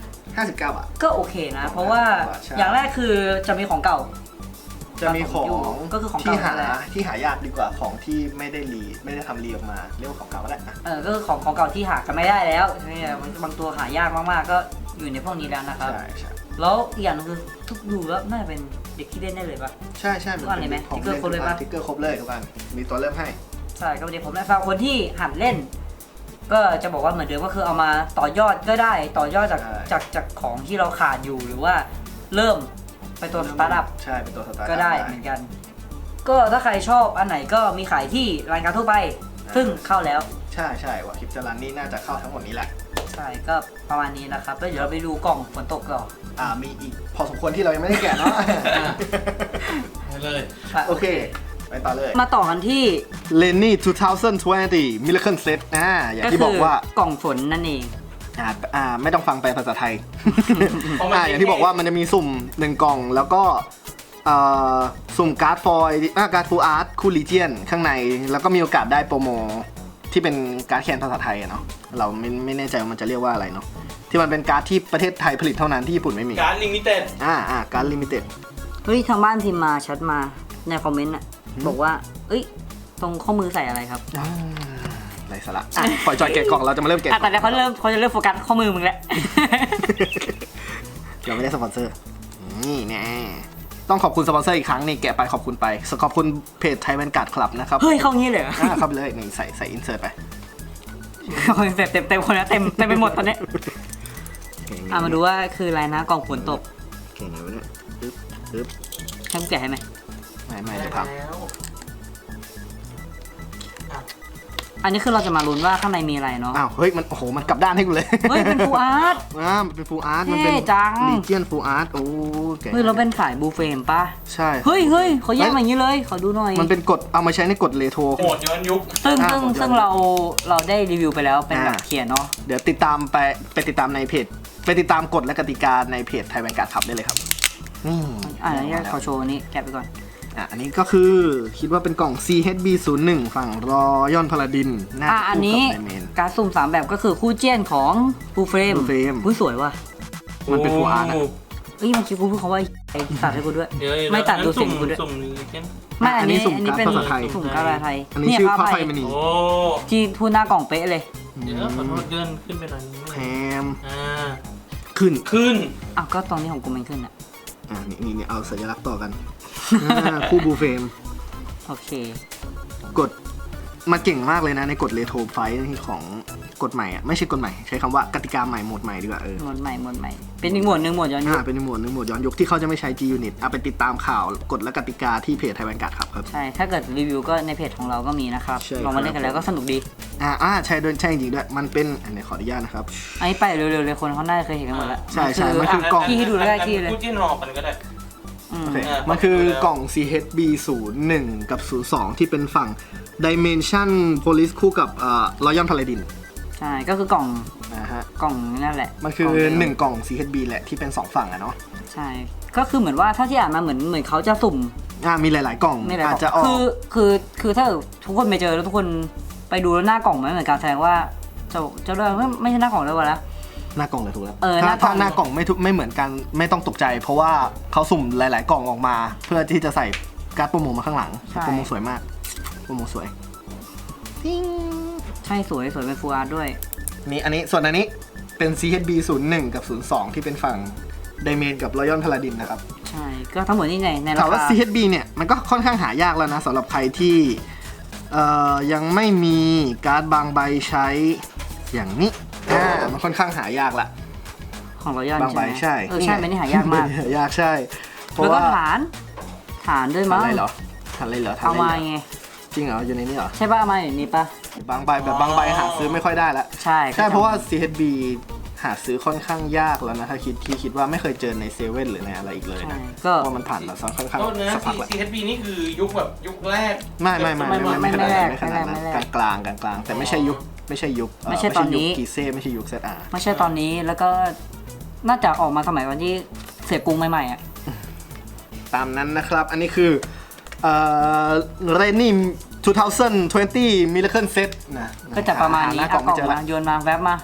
Speaker 2: 59 บาท
Speaker 1: ก็โอเคนะ เพราะว่า
Speaker 2: ใช่
Speaker 1: อย่างแรกคือจะมีของเก่า
Speaker 2: จะมีของ
Speaker 1: ก็คือของ
Speaker 2: ที่
Speaker 1: เก่า
Speaker 2: หา
Speaker 1: นั่นแหละ
Speaker 2: ที่หายากดีกว่าของที่ไม่ได้ทำรีออกมาเรียกว่าของเก่าก็ได้นะ
Speaker 1: ก็คือของเก่าที่หากันไม่ได้แล้วใช่ไหมบางตัวหายากมากๆก็อยู่ในพวกนี้แล้วนะครับ
Speaker 2: ใช่
Speaker 1: แล้วอีกอย่างนึงคือทุกดูแล้วน่าจะเป็นเด็กที่เล่นได้เลยป่ะ
Speaker 2: ใช่
Speaker 1: ทุกอันเลยไหม
Speaker 2: ของ
Speaker 1: ทิกเกอร์ครบเลยปะ
Speaker 2: ทิกเกอร์ครบเลยทุกอันมีตัวเริ่มให้
Speaker 1: ใช่ก็เดี๋ยวผมนะสำหรับคนที่หัดเล่น ก็จะบอกว่าเหมือนเดิมก็คือเอามาต่อยอดก็ได้ต่อยอดจากของที่เราขาดอยู่หรือว่าเริ่มไปตัวสตาร์ทอัพ
Speaker 2: ใช่เป็นตัวสตาร์ท
Speaker 1: ก็ได้เหมือนกัน ก็ถ้าใครชอบอันไหนก็มีขายที่รายการทั่วไป ซึ่งเข้าแล้ว
Speaker 2: ใช่ว่าคลิปจรันนี่น่าจะเข้าทั้งหมดนี้แหละ
Speaker 1: ใช่ก็ประมาณนี้นะครับแล้วเดี๋ยวเราไปดูกล่องฝนตกก่อน
Speaker 2: มีอีกพอสมควรที่เรายังไม่ได้แกะเนาะ
Speaker 3: ไปเลย
Speaker 2: โอเค ไปต่อเลย
Speaker 1: มาต่อกันที่
Speaker 2: Lenny 2020 Miracle Set อย่างที่บอกว่า
Speaker 1: กล่องฝนนั่นเอง
Speaker 2: ไม่ต้องฟังแปลภาษาไทย อย่างที่บอกว่ามันจะมีสุ่ม1กล่องแล้วก็สุ่มการ์ดฟอยล์การ์ดฟูลอาร์ตคู่ลีเจียนข้างในแล้วก็มีโอกาสได้โปรโมที่เป็นการ์ดแคนภาษาไทยเนาะเราไม่แน่ใจว่ามันจะเรียกว่าอะไรเนาะที่มันเป็นการ์ดที่ประเทศไทยผลิตเท่านั้นที่ญี่ปุ่นไม่มี
Speaker 3: การลิมิเต็ด
Speaker 2: การ์ดลิมิเต็ด
Speaker 1: เฮ้ยทางบ้านพิมพ์มาแชทมาในคอมเมนต์อ่ะบอกว่าเอ้ยตรงข้อมือใส่อะไรครับ
Speaker 2: ไรสาระปล่อยจอยแกะกล่องเราจะมาเริ่มแกะ
Speaker 1: แต่เขาจะเริ่มโฟกัสข้อมือมึงแล้ว
Speaker 2: เราไม่ได้สปอนเซอร์นี่แน่ต้องขอบคุณสปอนเซอร์อีกครั้งนี่แกะไปขอบคุณไปขอบคุณเพจไทยแวนการ์ดคลับนะครับ
Speaker 1: เฮ้ยเข้างี้เลยเหรอ
Speaker 2: เข้าไปเลยนี่ใส่อินเสิร์ตไป
Speaker 1: เต็มคนนะเต็มไปหมดตอนนี้มาดูว่าคืออะไรนะกล่องฝนตก
Speaker 2: โอเคไงวะเนี่ยปึ๊บ
Speaker 1: ให้มึงแกะให้ไหม
Speaker 2: ไม่เดี๋ยวพัง
Speaker 1: อันนี้คือเราจะมาลุ้นว่าข้างในมีอะไรเนาะ
Speaker 2: เฮ้ยมันโอ้โหมันกลับด้านให้กูเลย
Speaker 1: เฮ้ยเป็นฟูอาร์ต
Speaker 2: มันเป็นฟูลอาร์ตมันเป็น
Speaker 1: เท่จัง
Speaker 2: ลีเจียนฟูลอาร์ตโอ้แก
Speaker 1: เฮ้ยเราเป็นสายบูเฟมป่ะ
Speaker 2: ใช่
Speaker 1: เฮ้ยเขาแยกมาอย่างนี้เลยขอดูหน่อย
Speaker 2: มันเป็นกฎเอามาใช้ในกฎเรโทร
Speaker 3: โหมดย้อนยุค
Speaker 1: ซึ่งเราได้รีวิวไปแล้วเป็นแบบเขียนเนาะ
Speaker 2: เดี๋ยวติดตามไปติดตามในเพจไปติดตามกฎและกติกาในเพจไทยแวนการ์ดคลับได้เลยครับนี่
Speaker 1: อันนี้ขอโชว์นี้แกะไปก่อน
Speaker 2: อันนี้ก็คือคิดว่าเป็นกล่อง CHB01 ฝั่งรอยอนพาลาดินน่าจะ
Speaker 1: อัน
Speaker 2: คู่
Speaker 1: นี้
Speaker 2: กับในเมน
Speaker 1: การสุ่ม3แบบก็คือคู่เจี้ยนของฟูเฟรม
Speaker 2: Full Frame
Speaker 1: อุ้ยสวยว่ะ
Speaker 2: มันเป็นฟูลอาร์ตนะ
Speaker 1: เอ้ยเมื่อกี้กูพูดคำว่าไอ้ตัดให้กูด้วย
Speaker 3: เดี๋ยว
Speaker 1: ไม่ตัดดูเสียงกูด้วย
Speaker 3: สุ่มนี้เช่น
Speaker 1: ไม่อันนี้
Speaker 2: สุ่ม
Speaker 1: อันนี้
Speaker 2: การ์ด
Speaker 1: เป็น
Speaker 2: ภาษาไทย
Speaker 1: สุ่มการ์ดไทย
Speaker 2: อันนี้ชื่อพระไฟมณี
Speaker 3: โอ้
Speaker 1: ที่ทูหน้ากล่องเป๊ะเลย
Speaker 3: เดี๋ยวขอโทษเดินขึ้นไปหน่อย
Speaker 2: แพม
Speaker 3: อ่า
Speaker 2: ขึ้น
Speaker 1: อ้าวก็ตอนนี้ของกูมันขึ้นอ่ะ
Speaker 2: นี่เอาสัญลักษณ์ต่อกันคู่บูเฟม
Speaker 1: โอเค
Speaker 2: กดมาเก่งมากเลยนะในกฎเรโทรไฟท์ของกฎใหม่อ่ะไม่ใช่กฎใหม่ใช้คำว่ากติกาใหม่โหมดใหม่ดีกว่า
Speaker 1: หมวดใหม่เป็นอีกหมวดหนึ่งหมวดย้อนยุค
Speaker 2: เป็นโหมดย้อนยุคที่เขาจะไม่ใช้ G Unit ไปติดตามข่าวกฎและกติกาที่เพจไทยแวนการ์ดครับ
Speaker 1: ใช่ถ้าเกิดรีวิวก็ในเพจของเราก็มีนะครับ
Speaker 2: ใช่
Speaker 1: ลองมาเล่นกันแล้วก็สนุกดี
Speaker 2: ใช่ด้วยใช่จริงด้วยมันเป็นอันนี้ขออนุญาตนะครับ
Speaker 1: อันนี้ไปเร็วๆเลยคนเขาน่าจะเคยเห็นกันหมดแล้ว
Speaker 2: ใช่มันคือกล่อง
Speaker 1: ที่ให้ดูได้ที่เลย
Speaker 3: พูดจิ้นหอกกันก็ได้
Speaker 2: โอเคมันคือกล่อง CHB 01 กับ 02 ที่เป็นฝั่ง Dimension Police คู่กับRoyal Paladin
Speaker 1: ใช่ก็คือกล่อง
Speaker 2: นะฮะ
Speaker 1: กล่องนั่นแหละ
Speaker 2: มันคือ1กล่อง CHB แหละที่เป็น2ฝั่งอะเนาะ
Speaker 1: ใช่ก็คือเหมือนว่าถ้าที่อ่านมาเหมือนเขาจะสุ่ม
Speaker 2: มีหลายๆกล่อง
Speaker 1: ไม่หลาย
Speaker 2: อาจ
Speaker 1: กล่
Speaker 2: จะ
Speaker 1: อง
Speaker 2: ออก
Speaker 1: คือถ้าทุกคนไปเจอแล้วทุกคนไปดูแล้วหน้ากล่องมันเหมือนกันแสดงว่าจะเรียกว่าไม่ใช่หน้ากล่องเลยวะละ
Speaker 2: หน้ากล่องเลยถูกแล้ว
Speaker 1: หน้ากล่
Speaker 2: ถ้า
Speaker 1: อง
Speaker 2: หน้ากล่องไม่เหมือนกันไม่ต้องตกใจ เพราะว่าเขาสุ่มหลาย ๆ กล่องออกมา เพื่อที่จะใส่การ์ดโปรโมมาข้างหลังโปรโมสวยมากโปรโมสวย
Speaker 1: ใช่สวยเป็นฟูลอาร์ตด้วย
Speaker 2: นี่ส่วนอันนี้เป็น CHB 01 กับ 02 ที่เป็นฝั่ง Dimen กับ Royal Paladin นะครับ
Speaker 1: ใช่ก็ทั้งหมดนี่ในรา
Speaker 2: ถามว่า
Speaker 1: คา
Speaker 2: CHB เนี่ยมันก็ค่อนข้างหายากแล้วนะสำหรับใครที่ยังไม่มีการ์ดบางใบใช้อย่างนี้มันค่อนข้างหายากละ
Speaker 1: ของเราย่าน
Speaker 2: บางใบใช่
Speaker 1: ใช่มันนี่หายากมาก
Speaker 2: หายากใช่เพราะ
Speaker 1: แล้วก็
Speaker 2: ว่า
Speaker 1: ฐานด้วยมั้ง
Speaker 2: อะไรเหรอทันเลยเหรอ
Speaker 1: เอามาไง
Speaker 2: จริงเหรออยู่ในนี้เหรอ
Speaker 1: ใช่ป่ะเอามาอย่างนี้ป่ะ
Speaker 2: บางใบหาซื้อไม่ค่อยได้แล้ว
Speaker 1: ใช่
Speaker 2: เพราะว่า CHB หาซื้อค่อนข้างยากแล้วนะถ้าคิดว่าไม่เคยเจอในเซเว่นหรือในอะไรอีกเลย
Speaker 1: ใช่
Speaker 2: นะ
Speaker 1: ก็
Speaker 2: เพราะมันผ่านมาค่อนข้าง
Speaker 3: โทษนะ
Speaker 2: สักพักแล้ว
Speaker 3: CHB นี่คือยุคแบบยุคแรก
Speaker 2: ไม่ขนาดนั้นไม่ขนาดนั้น
Speaker 1: ไม่แรก
Speaker 2: กลางแต่ไม่ใช่ยุค
Speaker 1: ไม่ใช่ตอนนี้
Speaker 2: กีเซ่ไม่ใช่ยุค ZR
Speaker 1: ไม่ใช่ตอนนี้แล้วก็น่าจะออกมาสมัยวันที่เสียกรุงใหม่ๆอ่ะ
Speaker 2: ตามนั้นนะครับ อันนี้คือเรนนี่2020 Miracle Set นะ
Speaker 1: ก็จะประมาณนี้
Speaker 2: ห
Speaker 1: เอา
Speaker 2: กล่อง
Speaker 1: ก
Speaker 2: ไม่
Speaker 1: ล่อง
Speaker 2: เจอ
Speaker 1: มา
Speaker 2: ละ
Speaker 1: โยนมาแวบมา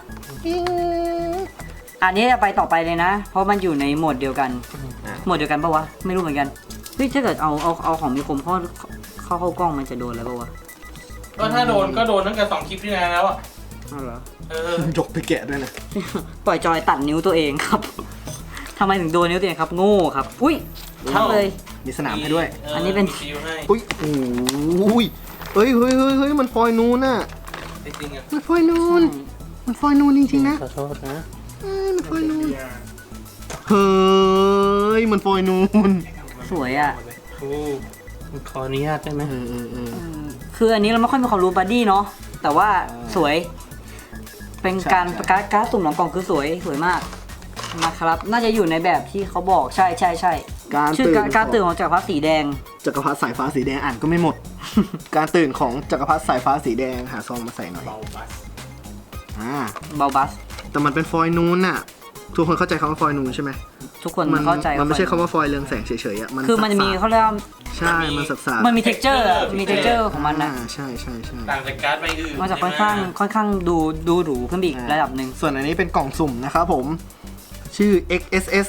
Speaker 1: อันนี้จะไปต่อไปเลยนะ เพราะมันอยู่ในโหมดเดียวกันโหมดเดียวกันปะวะไม่รู้เหมือนกันเฮ้ยถ้าเกิดเอาของมีคมเข้ากล้องมันจะโดนแล้วปะวะ
Speaker 3: ก็ถ้าโดนก็โดนตั้งแต่2คลิปที่แล้วอ่ะ
Speaker 1: เอาเหรอ
Speaker 2: ยกไปแกะด้วยนะ
Speaker 1: ปล่อยจอยตัดนิ้วตัวเองครับ ทำไมถึงโดนนิ้วตัวเองครับ โง่ครับ อุ้ยทั้งเลย
Speaker 2: มีสนามให้ด้วย
Speaker 1: อันนี้เป็น
Speaker 3: ฟิวให้
Speaker 2: อุ้ยโอ้ยเฮ้ยมันฟอยนูนน่ะ
Speaker 3: จริงๆอ่ะ
Speaker 2: มันฟอยนูนจริงๆนะ
Speaker 3: ขอโทษนะ
Speaker 2: มันฟอยนูนเฮ้ยมันฟอยนูน
Speaker 1: สวยอ่ะ
Speaker 3: โอ้ขออนุญาตได้ไหม
Speaker 1: คืออันนี้เราไม่ค่อยมีความรู้บัดดี้เนาะ แต่ว่าสวย เป็นการสุ่มหลังกล่องคือสวยมากนะครับ น่าจะอยู่ในแบบที่เขาบอกใช่ชื่อการตื่นของจักรพรรดิสีแดง
Speaker 2: จักรพรรดิสายฟ้าสีแดงอ่านก็ไม่หมด การตื่นของจักรพรรดิสายฟ้าสีแดงหาซองมาใส่หน่อย
Speaker 3: เบาบัส
Speaker 1: เบาบัส
Speaker 2: แต่มันเป็นฟอยนูนน่ะทุกคนเข้าใจคำว่าฟอยนูนใช่ไหม
Speaker 1: ทุกคนเข้าใจ
Speaker 2: มันไม่ใช่คำว่าฟอยเรืองแสงเฉยๆอ่ะ
Speaker 1: คือมันจะมีเขาเรียกว่า
Speaker 2: ใช่มันสับสา
Speaker 1: มันมี texture มี texture ของมันนะ
Speaker 2: ใช่
Speaker 3: ต่างจากการ์ดใบอื่น
Speaker 1: มันจะค่อนข้างดูหรูขึ้นไปอีกระดับหนึ่ง
Speaker 2: ส่วนอันนี้เป็นกล่องสุ่มนะครับผมชื่อ XSS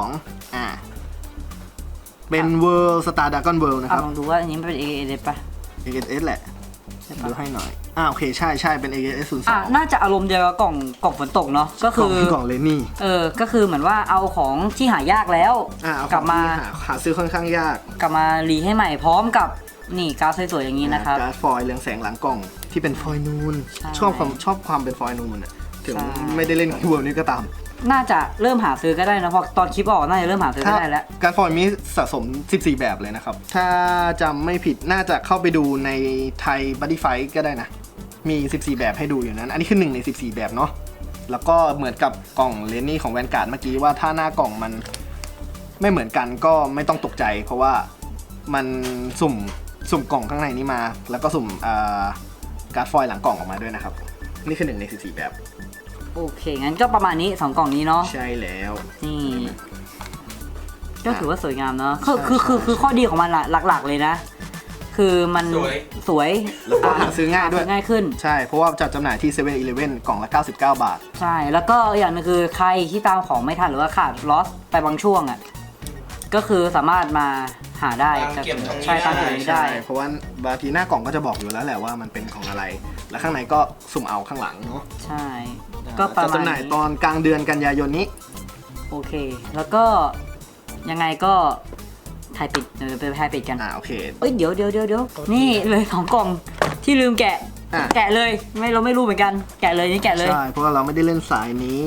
Speaker 2: 02เป็น World Star Dragon World นะครับ
Speaker 1: ลองดูว่าอันนี้มันเป็น AAD ป่ะ
Speaker 2: XSS แหละ
Speaker 1: ใช่ปะ
Speaker 2: ดูให้หน่อยโอเคใช่เป็น XSS 02
Speaker 1: น่าจะอารมณ์เดียวกับกล่องฝนตกเนาะก็คือก
Speaker 2: ล่องเลนี่
Speaker 1: ก็คือเหมือนว่าเอาของที่หายากแล้ว
Speaker 2: เอา
Speaker 1: กลับมา
Speaker 2: ของที่หาซื้อค่อนข้างยาก
Speaker 1: กลับมารีให้ใหม่พร้อมกับนี่การ์ดสวยๆอย่างนี้นะครับ
Speaker 2: การ์ดฟอยล์เรืองแสงหลังกล่องที่เป็นฟอยล์นูน
Speaker 1: ใช่
Speaker 2: ชอบความเป็นฟอยล์นูนอ่ะถึง
Speaker 1: ใช่
Speaker 2: ไม่ได้เล่นคีย์เวิร์ดนี้ก็ตาม
Speaker 1: น่าจะเริ่มหาซื้อก็ได้นะเพราะตอนคลิปออกน่าจะเริ่มหาซื้อก็ได้แล้ว
Speaker 2: การฟอยล์มีสะสม 14 แบบเลยนะครับ ถ้าจำไม่ผิดน่าจะเข้าไปดูในไทยบัดดี้ไฟก็ได้นะ มี 14 แบบให้ดูอยู่นั้น อันนี้คือ1ใน 14 แบบเนาะแล้วก็เหมือนกับกล่องเลนนี่ของแวนการ์ดเมื่อกี้ว่าถ้าหน้ากล่องมันไม่เหมือนกันก็ไม่ต้องตกใจ เพราะว่ามันสุ่มกล่องข้างในนี้มา แล้วก็สุ่มการ์ดฟอยล์หลังกล่องออกมาด้วยนะครับนี่คือ1ใน 14 แบบ
Speaker 1: โอเคงั้นก็ประมาณนี้2กล่องนี้เนาะ
Speaker 2: ใช่แล้ว
Speaker 1: นี่ก็ถือว่าสวยงามเนาะคือข้อดีของมันอะหลักๆเลยนะ คือมันสวย
Speaker 2: แล้วก็หาซื้อง่ายด้วย
Speaker 1: ง่ายขึ้น
Speaker 2: ใช่เพราะว่าจัดจำหน่ายที่7-Eleven กล่องละ99 บาท
Speaker 1: ใช่แล้วก็อย่างหนึงคือใครที่ตามของไม่ทันหรือว่าขาดลอสไปบางช่วงอะก็คือสามารถมาหาได้
Speaker 3: ตามเก็บตรงนี้
Speaker 1: ใช่ตามเก็บตรงนี้ได้
Speaker 2: เพราะว่าบางทีหน้ากล่องก็จะบอกอยู่แล้วแหละว่ามันเป็นของอะไร แล้วข้างในก็สุ่มเอาข้างหลังเนาะ
Speaker 1: ใช่ก็ประ
Speaker 2: จะ
Speaker 1: มาณ
Speaker 2: จำหน่ายตอนกลางเดือนกันยายนนี้
Speaker 1: โอเค แล้วก็ยังไงก็ถ่ายปิดเดี๋ยวไปถ่ายปิดกัน
Speaker 2: โอเค
Speaker 1: เอ้ยเดี๋ยวนี่เลย2กล่องที่ลืมแกะ
Speaker 2: อ่ะ
Speaker 1: แกะเลยเราไม่รู้เหมือนกันแกะเลยนี่แกะเลย
Speaker 2: ใช่เพราะว่าเราไม่ได้เล่นสายนี้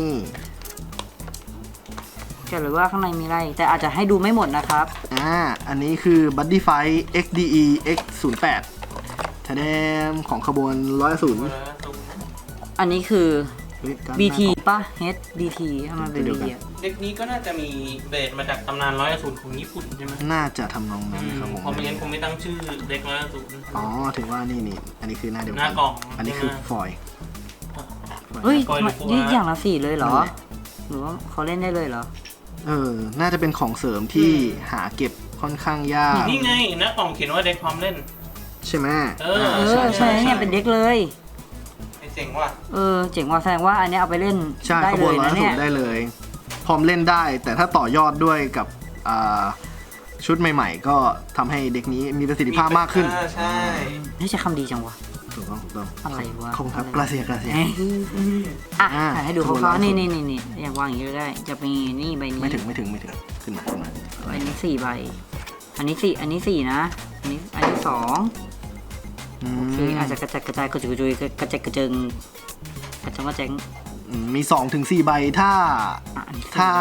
Speaker 1: แกะเลยว่าข้างในมีอะไร แต่อาจจะให้ดูไม่หมดนะครับ
Speaker 2: อันนี้คือ Buddy Fight XDE X08 แทนของขบวน100
Speaker 1: อันนี้คือ
Speaker 2: การ
Speaker 1: BT ป่ะ HDT ถ้ามันเป็น BT อะ
Speaker 3: เด็กนี้ก็น่าจะมีเบสมาจากตำนานร้อยอสูรของญี่ปุ่นใช่ไหม
Speaker 2: น่าจะทำนองนั้นครับผม
Speaker 3: เพราะไม่งั้นคงไม่ตั้งชื่อเด็กร้อยอสูร
Speaker 2: อ๋อถือว่านี่อันนี้คือหน้าเดียว
Speaker 3: ห
Speaker 2: กั
Speaker 3: น้ากล่อง
Speaker 2: อันนี้คือฟอยล์
Speaker 1: เฮ้ย
Speaker 3: ปล่อยลูก
Speaker 1: นี่
Speaker 3: ว่า
Speaker 1: อย่างละ4เลยเหรอ
Speaker 2: นั่นแหละ
Speaker 1: หรือว่าเขาเล่นได้เลยเหรอ
Speaker 2: น่าจะเป็นของเสริมที่หาเก็บค่อนข้างยาก
Speaker 3: นี่ไงหน้ากล่องเขียนว่าเด็กพร้อมเล่น
Speaker 2: ใช่ไหม
Speaker 3: เออ
Speaker 1: ใช่เนี่ยเป็นเด็กเลย
Speaker 3: ไอเสียงว่ะ
Speaker 1: เจ๋งว่ะแสดงว่าอันเนี้ยเอาไปเล่น
Speaker 2: ใช่
Speaker 1: ได้
Speaker 2: ขบ
Speaker 1: เล
Speaker 2: วน
Speaker 1: ย
Speaker 2: ร้อย
Speaker 1: นะ
Speaker 2: สู
Speaker 1: เนี่ย
Speaker 2: ได้เลย พร้อมเล่นได้ แต่ถ้าต่อยอดด้วยกับชุดใหม่ๆ ก็ทำให้เด็กนี้มีประสิทธิภาพมากขึ้น
Speaker 3: ใช่
Speaker 1: นี่ใช้คำดีจังวะ
Speaker 2: ถูกต้อง
Speaker 1: อะไรวะ
Speaker 2: ขอบคุณครับกราเซีย
Speaker 1: เอ้ยอ่ะ
Speaker 2: อ่า
Speaker 1: ถ่ายให้ดู
Speaker 2: ขบวน
Speaker 1: คร่าว
Speaker 2: ร้อย
Speaker 1: ๆ
Speaker 2: สู
Speaker 1: นี่
Speaker 2: ตร
Speaker 1: นี่อยากวางอย่างนี้ก็ได้ จะมีนี่ใบนี้
Speaker 2: ไม่ถึงขึ้นมา
Speaker 1: อันนี้4 ใบ อันนี้4นะ อันนี้2โอเคอาจจะกระจัดกระจายกระจุยกระจุยกระจัดกระเจิงกระจังกระแจง
Speaker 2: มี2 ถึง 4 ใบถ้า
Speaker 1: อันนี้
Speaker 2: ถ้า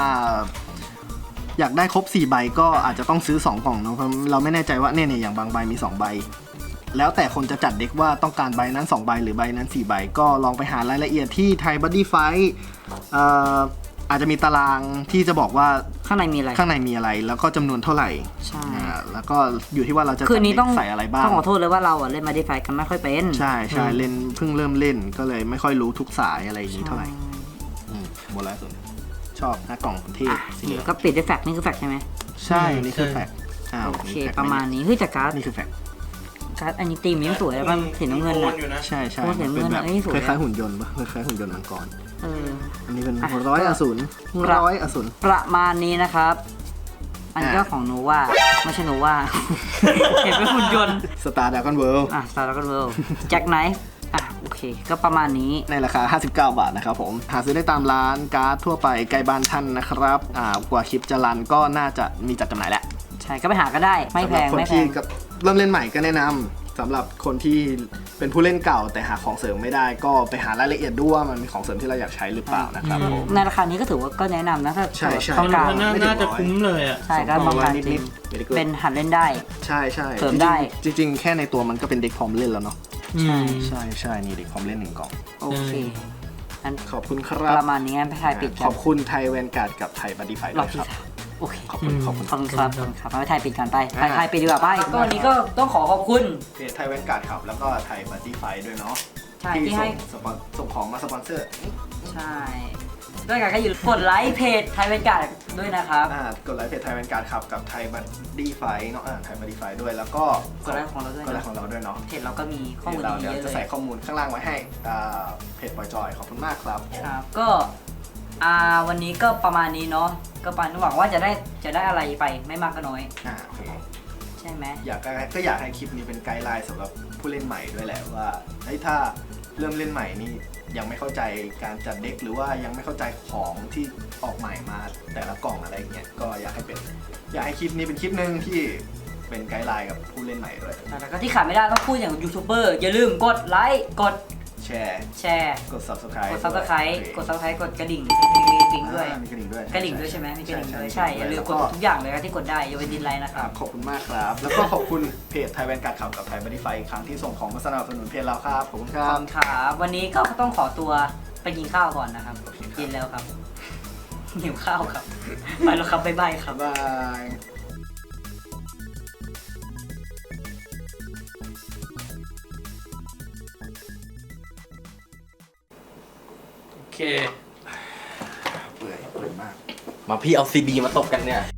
Speaker 2: อยากได้ครบ 4 ใบก็อาจจะต้องซื้อ 2 กล่องเนาะเพราะเราไม่แน่ใจว่าเนี่ยอย่างบางใบมี 2 ใบ แล้วแต่คนจะจัดเด็กว่าต้องการใบนั้น 2 ใบหรือใบนั้น 4 ใบ ก็ลองไปหารายละเอียดที่ไทยบัดดี้ไฟท์อาจจะมีตารางที่จะบอกว่า
Speaker 1: ข้างในมีอะไร
Speaker 2: ข้างในมีอะไรแล้วก็จำนวนเท่าไหร่
Speaker 1: ใช่
Speaker 2: แล้วก็อยู่ที่ว่าเราจะ
Speaker 1: คื
Speaker 2: จั
Speaker 1: น
Speaker 2: ด
Speaker 1: นี้
Speaker 2: เด็
Speaker 1: ต้อง
Speaker 2: กใส่อะไรบ้าง
Speaker 1: ต้องขอโทษเลยว่าเราเล่นมาดีไฟกันไม่ค่อยเป็น
Speaker 2: ใช่เล่นเพิ่งเริ่มเล่นก็เลยไม่ค่อยรู้ทุกสายอะไรอย่างนี้เท่าไหร่หมดแล้วสุดชอบหน้ากล่องเทพสีเหลือง
Speaker 1: ก็ปิดด้วยแฟกนี่คือแฟกใช่ไหม
Speaker 2: ใช่นี่คือแฟก
Speaker 1: โอเคประมาณนี้เฮ้ยแต่การ์ด
Speaker 2: นี่คือแฟก
Speaker 1: อันนี้ตีมยังสวยแล้วมันสีน้ำเงิน
Speaker 3: โอ
Speaker 1: อ่ะ
Speaker 3: อยู่นะ
Speaker 2: ใช่
Speaker 1: โอ้เห็น
Speaker 2: เป็นแบบ
Speaker 1: เงินอันนี้สวย
Speaker 2: คล้ายๆหุ่นยนต์ปะคล้ายๆหุ่นยนต์มังกร อันนี้เป็น
Speaker 1: อ่ะ
Speaker 2: 100 อสูร100 อสูร
Speaker 1: ประมาณนี้นะครับ อันนี้ก็
Speaker 2: อ่ะ
Speaker 1: ของโนวาไม่ใช่โนวา เห็นเป็นหุ่นยนต์
Speaker 2: สตาร์ดากอนเวิลด์
Speaker 1: สตาร์ล็อกเวิลด์แจ็คไนฟ์โอเค ก็ประมาณนี้
Speaker 2: ในราคา 59 บาทนะครับผมหาซื้อได้ตามร้านการ์ดทั่วไปใกล้บ้านท่านนะครับกว่าคลิปจะรันก็น่าจะมีจัดจำหน่ายแล้ว
Speaker 1: ใช่ก็ไปหาก็ได้ ไม่แพง
Speaker 2: สำหรับคน
Speaker 1: ไม่แพ
Speaker 2: ที่
Speaker 1: ง
Speaker 2: กับเริ่มเล่นใหม่ก็แนะนำสำหรับคนที่เป็นผู้เล่นเก่าแต่หาของเสริมไม่ได้ ก็ไปหารายละเอียดด้วยว่ามันมีของเสริมที่เราอยากใช้หรือเปล่านะครับผม
Speaker 1: ในราคานี้ก็ถือว่าก็แนะนำนะถ้า
Speaker 2: ใช่ใช่
Speaker 1: ต้องการ
Speaker 3: น่าจะคุ้มเลยอ่ะ
Speaker 1: ใช่ก็บางการจริง
Speaker 2: นิด
Speaker 1: เป็นหัดเล่นได้
Speaker 2: ใช่ใช่
Speaker 1: เสริมได้
Speaker 2: จริงๆแค่ในตัวมันก็เป็นเด็กพร้อมเล่นแล้วเนาะ
Speaker 1: ใช่
Speaker 2: ใช่นี่เด็กพร้อมเล่น1 กล่อง
Speaker 1: โอเคอัน
Speaker 2: ขอบคุณค
Speaker 1: ป
Speaker 2: รับ
Speaker 1: ระมาณนี้งั้นไปถ่ายปิด
Speaker 2: ข
Speaker 1: กั
Speaker 2: อน บคุณไทยแวนการ์ดกับไทยบัดดี้ไฟ
Speaker 1: ร
Speaker 2: ด้
Speaker 1: อ
Speaker 2: ว
Speaker 1: บ
Speaker 2: ย
Speaker 1: ที่
Speaker 2: ครับ
Speaker 1: โอเค
Speaker 2: ขอบคุณ
Speaker 1: ขอบคุณครับไปถ่ายปิดกันไป
Speaker 2: อ่า
Speaker 1: ถ่ายปิดดีกว่าไปก็วันนี้ก็ต้องขอบคุณ
Speaker 2: เพจไทยแวนการ์ดครับแล้วก็ไทยบัดดี้ไฟด้วยเนาะ
Speaker 1: ใช่ที่ให้
Speaker 2: ส่งของมาสปอนเซอร์
Speaker 1: ใช่ด้วยกันก็อย่าลืมกดไลค์เพจไทยเป็นการ์ดด้วยนะครับ
Speaker 2: กดไลค์เพจไทยแวนการ์ดครับกับไทยบัดดี้ไฟเนาะไทยบัดดี้ไฟด้วยแล้วก็
Speaker 1: กดไลค์ของเราด้วย
Speaker 2: กดไล
Speaker 1: นะ
Speaker 2: ค์ของเราด้วยเนาะ
Speaker 1: เพจเราก็มีข้อมูล
Speaker 2: เรา
Speaker 1: ดี
Speaker 2: เดี๋ยว
Speaker 1: เยอะ
Speaker 2: จะ
Speaker 1: เล
Speaker 2: ใส่
Speaker 1: ย
Speaker 2: ข้อมูลข้างล่างไว้ให้เพจปอยจอยขอบคุณมากครับ
Speaker 1: ครับก็วันนี้ก็ประมาณนี้เนาะก็ปานหวังว่าจะได้อะไรไปไม่มากก็น้อย
Speaker 2: โอเค
Speaker 1: ใช่ไหม
Speaker 2: อยากให้คลิปนี้เป็นไกด์ไลน์สำหรับผู้เล่นใหม่ด้วยแหละว่าเฮ้ยถ้าเริ่มเล่นใหม่นี่ยังไม่เข้าใจการจัดเด็กหรือว่ายังไม่เข้าใจของที่ออกใหม่มาแต่ละกล่องอะไรอย่างเงี้ยก็อยากให้คลิปนี้เป็นคลิปหนึ่งที่เป็นไกด์ไลน์กับผู้เล่นใหม่ด้วย
Speaker 1: แล้วก็ที่ขาดไม่ได้ต้องพูดอย่างยูทูบเบอร์อย่าลืมกดไลค์กด
Speaker 2: แชร์
Speaker 1: กด
Speaker 2: subscribe
Speaker 1: กด subscribe กดกระดิ่งติ๊งด้วย
Speaker 2: มีกระดิ่งด้วย
Speaker 1: กระดิ่งด้วยใช่ไหมมีกระดิ่งด้วยใช่อย่าลืมกดทุกอย่างเลยนะที่กดได้อย่าไปดินไลน์นะครับ
Speaker 2: ขอบคุณมากครับ แล้วก็ขอบคุณเพจไทยแวนการ์ดขับกับไทยบัดดี้ไฟอีกครั้งที่ส่งของมาสนับสนุนเพจเราครับขอบคุณค
Speaker 1: ข
Speaker 2: รั
Speaker 1: อบบ คุณครับวันนี้ก็ต้องขอตัวไปกินข้าวก่อนนะครับ
Speaker 2: โอเคครับ
Speaker 1: กินแล้วครับ หิวข้าวครับ ไปแล้วครับบ๊ายบายครับ
Speaker 2: บ๊ายบาย
Speaker 3: โอเค
Speaker 2: เปื่อยมาก
Speaker 4: มาพี่เอาซีดีมาตบกันเนี่ย